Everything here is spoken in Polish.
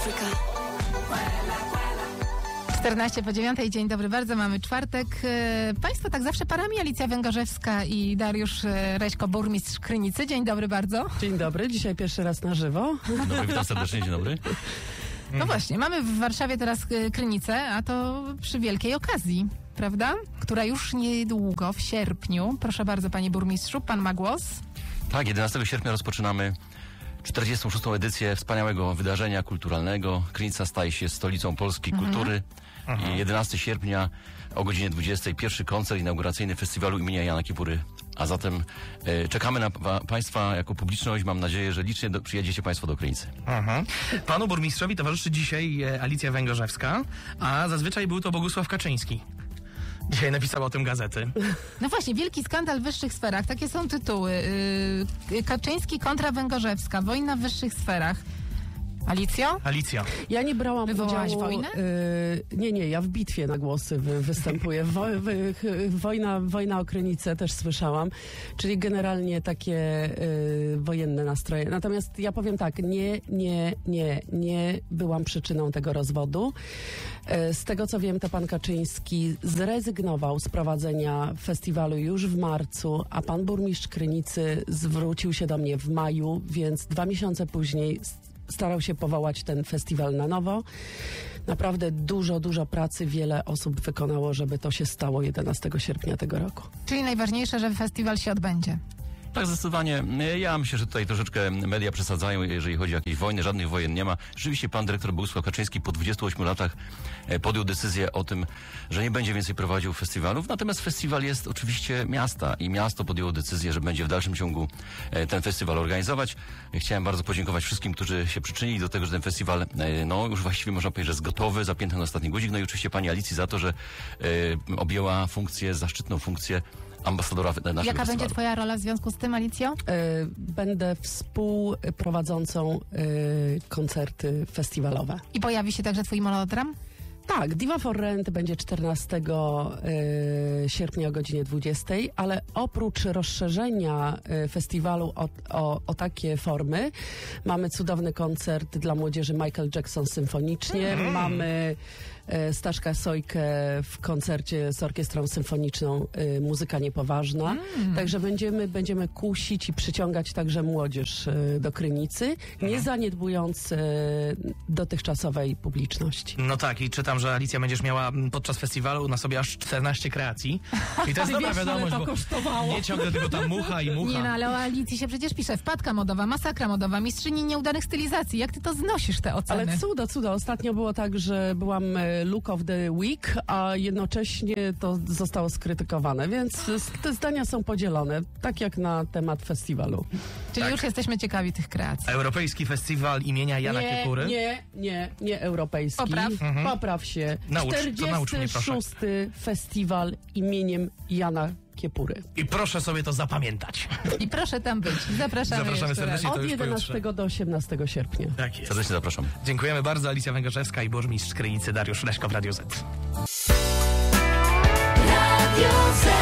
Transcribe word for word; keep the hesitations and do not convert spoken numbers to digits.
czternaście po dziewiątej, dzień dobry bardzo, mamy czwartek. Państwo tak zawsze parami, Alicja Węgorzewska i Dariusz Reśko, burmistrz Krynicy. Dzień dobry bardzo. Dzień dobry, dzisiaj pierwszy raz na żywo. Dobry, witam serdecznie, dzień dobry. No właśnie, mamy w Warszawie teraz Krynicę, a to przy wielkiej okazji, prawda? Która już niedługo, w sierpniu. Proszę bardzo, panie burmistrzu, pan ma głos. Tak, jedenastego sierpnia rozpoczynamy czterdziestą szóstą edycję wspaniałego wydarzenia kulturalnego. Krynica staje się stolicą polskiej mhm. kultury. Mhm. I jedenastego sierpnia o godzinie dwudziestej pierwszy koncert inauguracyjny festiwalu imienia Jana Kiepury. A zatem e, czekamy na pa, Państwa jako publiczność. Mam nadzieję, że licznie do, przyjedziecie Państwo do Krynicy. Mhm. Panu burmistrzowi towarzyszy dzisiaj e, Alicja Węgorzewska, a zazwyczaj był to Bogusław Kaczyński. Dzisiaj napisał o tym gazety. No właśnie, wielki skandal w wyższych sferach. Takie są tytuły. Yy, Kaczyński kontra Węgorzewska. Wojna w wyższych sferach. Alicjo? Alicja. Ja nie brałam Wywołałaś udziału... wojnę? Y, nie, nie, ja w bitwie na głosy wy, występuję. Wo, wy, wojna, wojna o Krynicę też słyszałam. Czyli generalnie takie y, wojenne nastroje. Natomiast ja powiem tak, nie, nie, nie, nie byłam przyczyną tego rozwodu. Y, z tego co wiem, to pan Kaczyński zrezygnował z prowadzenia festiwalu już w marcu, a pan burmistrz Krynicy zwrócił się do mnie w maju, więc dwa miesiące później starał się powołać ten festiwal na nowo. Naprawdę dużo, dużo pracy wiele osób wykonało, żeby to się stało jedenastego sierpnia tego roku. Czyli najważniejsze, że festiwal się odbędzie. Tak, zdecydowanie. Ja myślę, że tutaj troszeczkę media przesadzają, jeżeli chodzi o jakieś wojny. Żadnych wojen nie ma. Rzeczywiście pan dyrektor Bogusław Kaczyński po dwudziestu ośmiu latach podjął decyzję o tym, że nie będzie więcej prowadził festiwalów. Natomiast festiwal jest oczywiście miasta i miasto podjęło decyzję, że będzie w dalszym ciągu ten festiwal organizować. Chciałem bardzo podziękować wszystkim, którzy się przyczynili do tego, że ten festiwal, no już właściwie można powiedzieć, że jest gotowy, zapięty na ostatni guzik. No i oczywiście pani Alicji za to, że e, objęła funkcję, zaszczytną funkcję ambasadora naszego Jaka festiwalu. będzie twoja rola w związku z tym, Alicjo? Y, będę współprowadzącą y, koncerty festiwalowe. I pojawi się także twój monodram? Tak, Diva for Rent będzie czternastego sierpnia o godzinie dwudziestej, ale oprócz rozszerzenia y, festiwalu o, o, o takie formy, mamy cudowny koncert dla młodzieży Michael Jackson symfonicznie, mm. mamy y, Staszka Sojkę w koncercie z orkiestrą symfoniczną y, Muzyka Niepoważna, mm. także będziemy, będziemy kusić i przyciągać także młodzież y, do Krynicy, nie mm. zaniedbując y, dotychczasowej publiczności. No tak, i czytam, że Alicja będziesz miała podczas festiwalu na sobie aż czternaście kreacji. I to jest dobra wiadomość, bo kosztowało. Nie ciągle tylko ta mucha i mucha. Nie no, ale o Alicji się przecież pisze. Wpadka modowa, masakra modowa, mistrzyni nieudanych stylizacji. Jak ty to znosisz, te oceny? Ale cudo, cudo. Ostatnio było tak, że byłam look of the week, a jednocześnie to zostało skrytykowane, więc te zdania są podzielone, tak jak na temat festiwalu. Czyli tak. już jesteśmy ciekawi tych kreacji. Europejski Festiwal imienia Jana nie, Kiepury? Nie, nie, nie europejski. Popraw. Mhm. Popraw się. Naucz, czterdziesty szósty Festiwal imieniem Jana Kiepury. I proszę sobie to zapamiętać. I proszę tam być. Zapraszamy, Zapraszamy serdecznie. Od jedenastego do osiemnastego sierpnia. Tak jest. Serdecznie zapraszam. Dziękujemy bardzo. Alicja Węgorzewska i burmistrz Krynicy Dariusz Reśko w Radio Z. Radio Z.